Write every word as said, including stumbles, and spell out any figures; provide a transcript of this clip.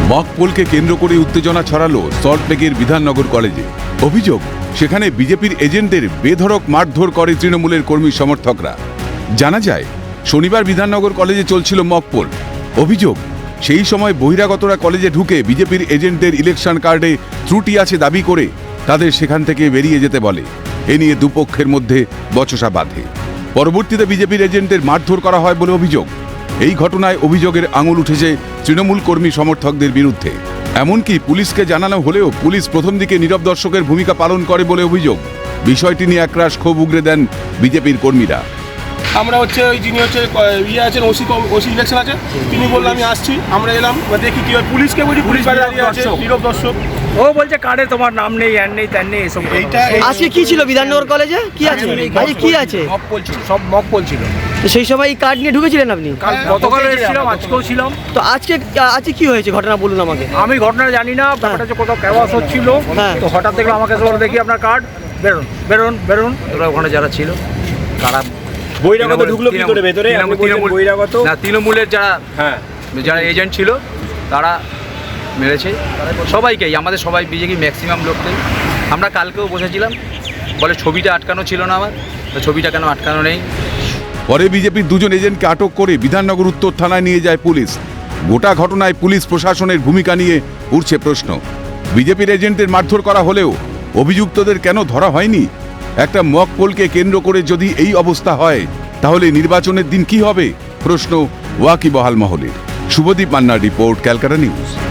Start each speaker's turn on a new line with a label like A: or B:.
A: Mock পোলকে কেন্দ্র করে উত্তেজনা ছড়ালো সল্টলেকের বিধাননগর কলেজে। অভিযোগ, সেখানে বিজেপির এজেন্টদের বেধড়ক মারধর করে তৃণমূলের কর্মী সমর্থকরা। জানা যায়, শনিবার বিধাননগর কলেজে চলছিল মক পোল। অভিযোগ, সেই সময় বহিরাগতরা কলেজে ঢুকে বিজেপির এজেন্টদের ইলেকশন কার্ডে ত্রুটি আছে দাবি করে তাদের সেখান থেকে বেরিয়ে যেতে বলে। এ নিয়ে দুপক্ষের মধ্যে বচসা বাধে। পরবর্তীতে বিজেপির এজেন্টদের মারধর করা হয় বলে অভিযোগ। এই ঘটনায় অভিযোগের আঙুল উঠেছে তৃণমূল কর্মী সমর্থকদের বিরুদ্ধে। এমনকি পুলিশকে জানানো হলেও পুলিশ প্রথম দিকে নীরব দর্শকের ভূমিকা পালন করে বলে অভিযোগ। বিষয়টি নিয়ে একরাশ ক্ষোভ উগরে দেন বিজেপির কর্মীরা।
B: আমরা হচ্ছে ওই যিনি হচ্ছে ইয়ে আছেন ওসি ওসি ইলেকশন আছে, তিনি বললেন আমি আসছি, আমরা এলাম, দেখি কি হয়। পুলিশকে বলি, পুলিশ দাঁড়িয়ে আছে, নীরব দর্শক।
C: ও বলছে কার্ডে তোমার নাম নেই, হ্যান নেই, ত্যান নেই, এসব।
B: এইটা
D: আজকে কি ছিল বিধাননগর কলেজে? কি আছে আজকে? কি আছে?
C: মক পোল ছিল, সব মক পোল ছিল।
D: তো সেই সময় এই কার্ড নিয়ে ঢুকেছিলেন আপনি?
C: গতকাল এসেছিলাম, আজকেও ছিলাম।
D: তো আজকে আজকে কি হয়েছে ঘটনা বলুন আমাকে।
C: আমি ঘটনা জানি না, ব্যাপারটা হচ্ছে কোথাও ক্যাওয়াস হচ্ছিল,
D: হ্যাঁ।
C: তো হঠাৎ দেখলাম আমাকে বলে দেখি আপনার কার্ড, বেরোন বেরোন বেরোন। ওরা ওখানে যারা ছিল তারা
B: বহিরাগত ঢুকলো কি করে ভেতরে? বহিরাগত
C: না, তৃণমূলের যারা হ্যাঁ যারা এজেন্ট ছিল তারা মেরেছে সবাইকেই, আমাদের সবাই বিজেপি ম্যাক্সিমাম লোককেই। আমরা কালকেও বসেছিলাম, বলে ছবিটা আটকানো ছিল না আমার, তো ছবিটা কেন আটকানো নেই।
A: পরে বিজেপির দুজন এজেন্টকে আটক করে বিধাননগর উত্তর থানায় নিয়ে যায় পুলিশ। গোটা ঘটনায় পুলিশ প্রশাসনের ভূমিকা নিয়ে উঠছে প্রশ্ন। বিজেপির এজেন্টদের মারধর করা হলেও অভিযুক্তদের কেন ধরা হয়নি? একটা মক পোলকে কেন্দ্র করে যদি এই অবস্থা হয়, তাহলে নির্বাচনের দিন কি হবে? প্রশ্ন ওয়াকিবহাল মহলের। শুভদীপ মান্নার রিপোর্ট, ক্যালকাটা নিউজ।